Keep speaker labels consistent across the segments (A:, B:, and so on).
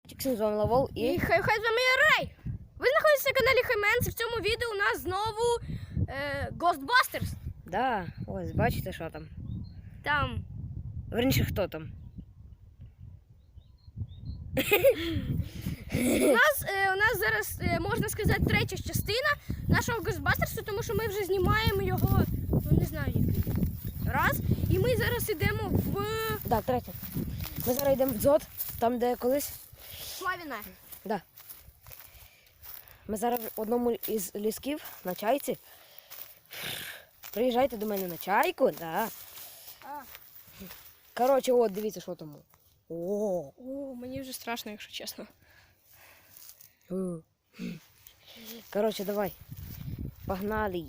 A: З вами Лавол
B: і хай з вами Рей. Ви знаходитесь на каналі Хайменс, і в цьому відео у нас знову Ghostbusters.
A: Да, ось, бачите, що там?
B: Там.
A: Верніше, хто там?
B: У нас зараз, можна сказати, третя частина нашого Ghostbusters, тому що ми вже знімаємо його, ну не знаю який раз. І ми зараз йдемо в...
A: Так, третя. Ми зараз йдемо в дзот, там де колись.
B: Славіна.
A: Да. Ми зараз в одному із лісків на чайці. Приїжджайте до мене на чайку, да. Коротше, от, дивіться, що там. О,
B: Мені вже страшно, якщо чесно.
A: Коротше, давай. Погнали.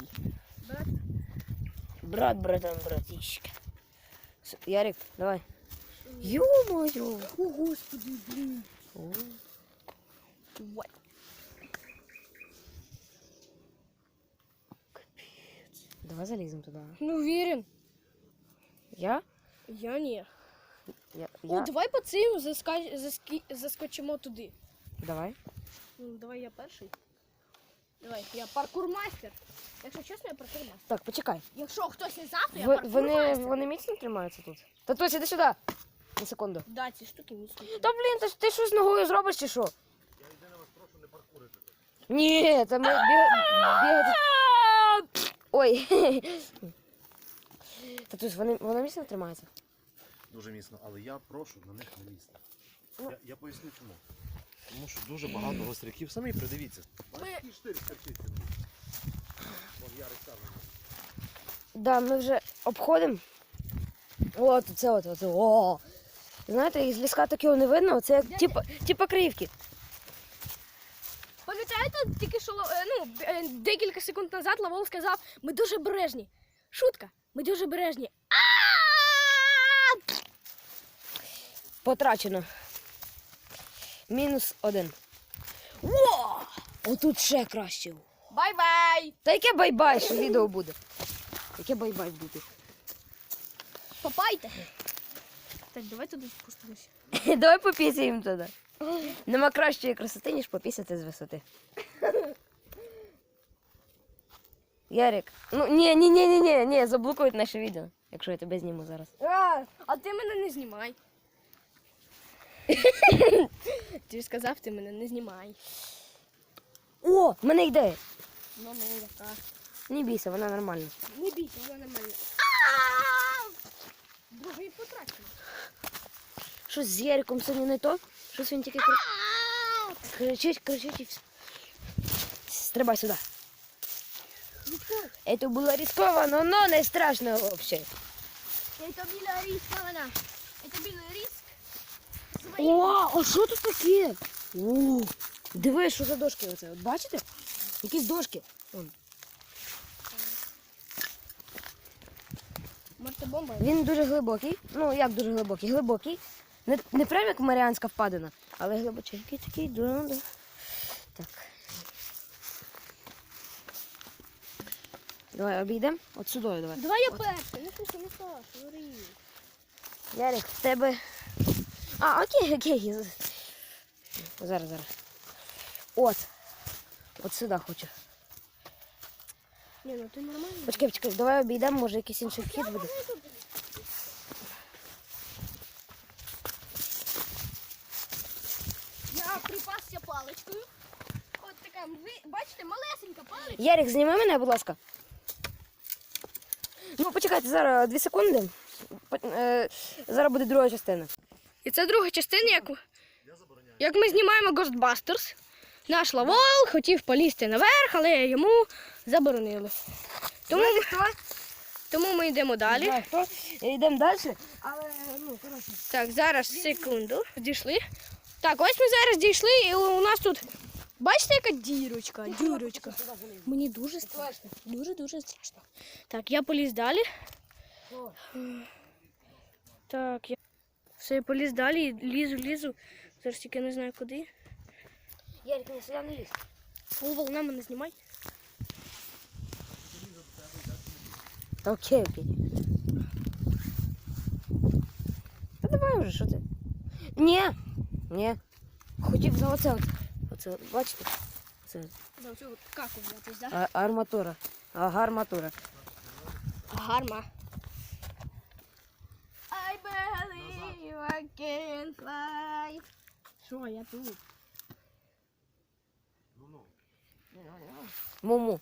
A: Братан, братишка. Ярик, давай. Ё-моё!
B: О, Господи, блін.
A: Капец. Давай залезем туда.
B: Ну, уверен.
A: Я?
B: Я ні.
A: Я.
B: Давай по цим заскочимо туди.
A: Давай.
B: Ну, давай я перший. Давай, я паркурмастер. Якщо чесно, я паркурмастер.
A: Так, почекай.
B: Якщо хтось не знав, то я паркурмастер.
A: Вони міцно тримаються тут? Та Тося, іди сюди. На секунду.
B: Да, ці штуки міцні.
A: Та блін, ти що з ногою зробиш чи що? Я єдине вас прошу не паркурити. Ні, це ми бігати. Ой. Татусь, вони міцно тримаються?
C: Дуже міцно, але я прошу на них не лізти. Я поясню чому. Тому що дуже багато гостряків. Самі придивіться. Який штир скачить. Вон Ярик сам.
A: Да, ми вже обходимо. От, це. О! Знаєте, із ліска такого не видно, це як типа кривки.
B: Пам'ятаєте, тільки що декілька секунд назад Лавол сказав, ми дуже бережні. Шутка, ми дуже бережні.
A: Потрачено. -1. О! Отут ще краще.
B: Бай-бай!
A: Та яке бай-бай, що відео буде? Яке бай-бай буде?
B: Попайте. Так, давай туди спустимося.
A: Давай попісяємо туди. Нема кращої красоти, ніж попісяти з висоти. Ярик, ну ні, заблокують наше відео, якщо я тебе зніму зараз.
B: А ти мене не знімай. Ти ж сказав, ти мене не знімай.
A: О, в мене ідея.
B: Ну, яка.
A: Не бійся, вона нормальна.
B: Не бійся, вона нормально. Другий потрачено.
A: Щось з Яриком сьогодні не то? Щось він тільки кричить і все. Стрибай сюди. Это было рисковано, но не страшно вообще.
B: Это было рисковано. Это был риск.
A: О, а що тут таке? О, диви, що за дошки оце. От бачите? Якісь дошки. Вон.
B: Мортобомба.
A: Він дуже глибокий. Ну, як дуже глибокий? Глибокий. Не прям як Маріанська впадина, але глибоченький такий. Да. Так. Давай обійдемо. От сюди давай.
B: Давай я перший. Не слухай, не Саша, говори.
A: Ярик, в тебе... А, окей. Зараз. От сюди хочу.
B: Ні, ну ти нормально.
A: Почекай, давай обійдемо, може якийсь інший вхід буде.
B: Я припасся паличкою. От така, ви бачите, малесенька паличка.
A: Ярик, зніми мене, будь ласка. Ну, почекайте, зараз 2 секунди. Зараз буде друга частина.
B: І це друга частина, як ми знімаємо Ghostbusters. Наш Лавол хотів полізти наверх, але йому заборонили. Тому ми йдемо далі.
A: Йдемо далі. Але, ну, коротше.
B: Так, зараз, секунду. Дійшли. Так, ось ми зараз дійшли, і у нас тут, бачите, яка дірочка? Мені дуже страшно. Дуже страшно. Так, я поліз далі. Так, я поліз далі, лізу. Зараз тільки не знаю куди.
A: Ярик, не сюди не лізь.
B: Лавол, на мене знімай.
A: Окей. Та давай вже, що ти? Ні. хотів за оце. Оце, бачите? Це
B: За оцю каку взятись, да?
A: арматура. Гарматура.
B: Гарма. I believe I can fly. Що, я тут?
C: Ну.
A: Муму.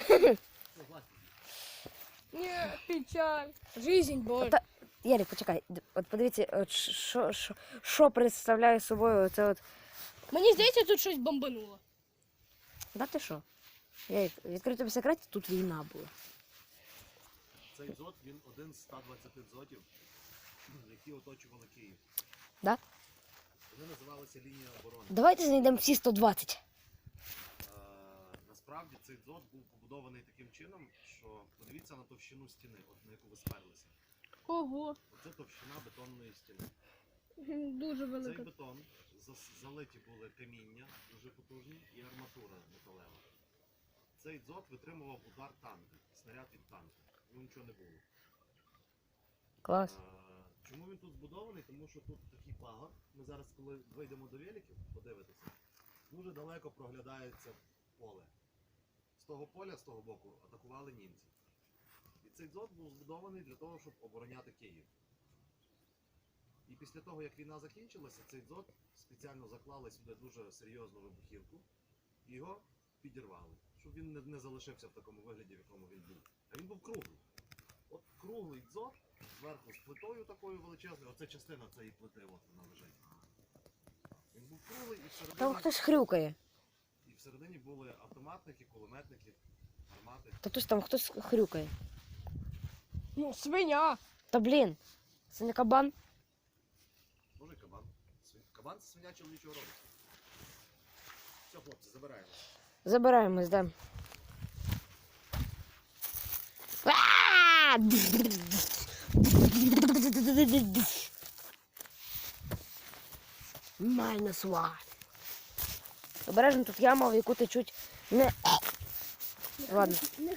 B: Ні, печаль. Жизнь, боль.
A: Та- Ярик, почекай. От подивіться, от що представляє собою оце от.
B: Мені здається, тут щось бомбануло.
A: Да ти що? Ярик, відкрию тобі секрет, тут війна була.
C: Цей дзот, він один з 120 дзотів, які оточували Київ.
A: Да?
C: Вони називалися лінія оборони.
A: Давайте знайдемо всі 120.
C: Насправді цей дзот був побудований таким чином, що подивіться на товщину стіни, от на яку ви сперлися.
B: Ого.
C: Оце товщина бетонної стіни.
B: Дуже
C: Цей
B: велика.
C: бетон залиті були каміння дуже потужні і арматура металева. Цей дзот витримував удар танка, снаряд від танка. Ну нічого не було.
A: Клас.
C: Чому він тут збудований? Тому що тут такий пагор. Ми зараз, коли вийдемо до великів, подивитися, дуже далеко проглядається поле. З того поля, з того боку, атакували німці. І цей дзот був збудований для того, щоб обороняти Київ. І після того, як війна закінчилася, цей дзот спеціально заклали сюди дуже серйозну вибухівку і його підірвали, щоб він не залишився в такому вигляді, в якому він був. А він був круглий. От круглий дзот, зверху з плитою такою величезною, оце частина цієї плити, от вона лежить. Він був круглий і
A: Там хтось хрюкає.
C: всередині були автоматники, кулеметники, гармати.
A: Та хтось там хтось хрюкає.
B: Ну, свиня.
A: Та блін, це не кабан.
C: Може кабан. Кабан це свиня чоловічого роду. Все, хлопці, забираємо.
A: Забираємось, да. Minus one. Обережно, тут яма, в яку течуть не. Ладно.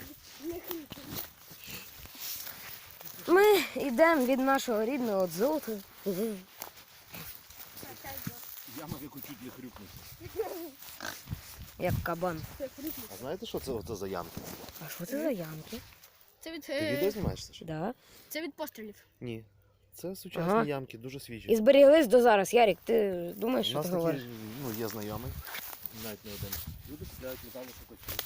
A: Ми йдемо від нашого рідного дзоту.
C: Яма, в яку чуть не хрюкнути.
A: Як кабан.
C: А знаєте, що це за ямки?
A: А що це за ямки?
B: Це від,
C: Ти відео знімаєш, Саша?
A: Да.
B: це від пострілів.
C: Ні. Це сучасні
A: Ага.
C: ямки, дуже свіжі.
A: І зберіглись до зараз. Ярик, ти думаєш,
C: У
A: що
C: нас
A: ти говориш?
C: такі, є знайомий, навіть не один. Люди купляють металошукачі.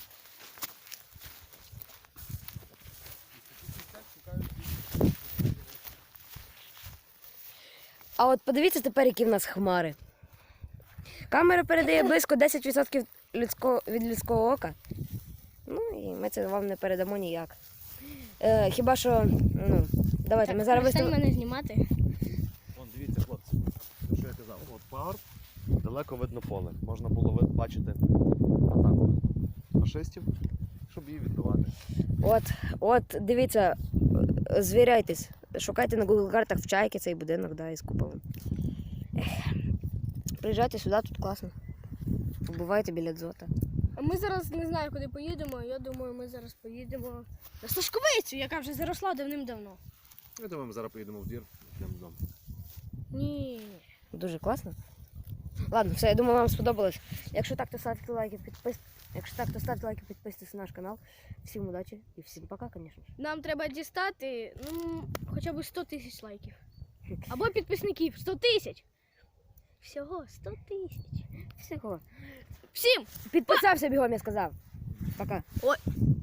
A: А от подивіться тепер, які в нас хмари. Камера передає близько 10% від людського ока. Ну і ми це вам не передамо ніяк. Хіба що, ну, давайте, ми зараз
B: Перестань
A: виставимо.
B: мене знімати.
C: Вон, дивіться, хлопці, що я казав. От пагорб, далеко видно поле. Можна було бачити атаку фашистів, щоб її відбивати.
A: От, дивіться, звіряйтесь. Шукайте на Google картах в Чайки цей будинок, да, із куполом. Приїжджайте сюди, тут класно. Побувайте біля дзота.
B: А ми зараз не знаю, куди поїдемо. Я думаю, ми зараз поїдемо на Сашковицю, яка вже заросла давним-давно.
C: Я думаю, ми зараз поїдемо в двір, йдемо додому.
B: Ні.
A: Дуже класно. Ладно, все, я думаю, вам сподобалось. Якщо так, то ставте лайки, підписуйтесь на наш канал. Всім удачі і всім пока, звісно.
B: Нам треба дістати хоча б 100 тисяч лайків. Або підписників 100 тисяч. Всього 100 тисяч.
A: Всього.
B: Всім!
A: Підписався бігом, я сказав. Пока.
B: Ой.